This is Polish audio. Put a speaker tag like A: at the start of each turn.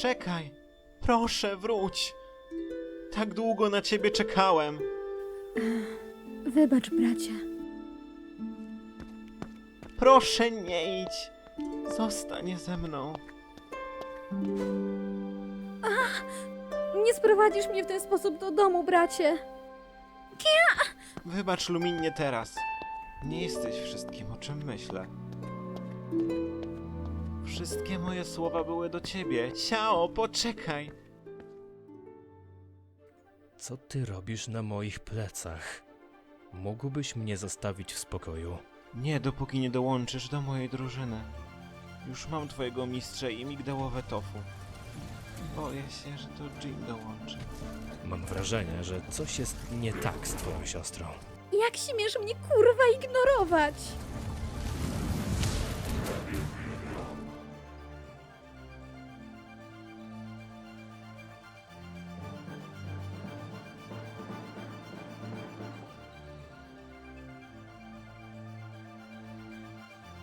A: Czekaj! Proszę, wróć! Tak długo na ciebie czekałem.
B: Wybacz, bracie.
A: Proszę, nie idź. Zostań ze mną.
B: Nie sprowadzisz mnie w ten sposób do domu, bracie.
A: Wybacz, Luminie, teraz. Nie jesteś wszystkim, o czym myślę. Wszystkie moje słowa były do ciebie. Ciao, poczekaj.
C: Co ty robisz na moich plecach? Mógłbyś mnie zostawić w spokoju?
A: Nie, dopóki nie dołączysz do mojej drużyny. Już mam twojego mistrza i migdałowe tofu. Boję się, że to Jean dołączy.
C: Mam wrażenie, że coś jest nie tak z twoją siostrą.
B: Jak śmiesz mnie kurwa ignorować?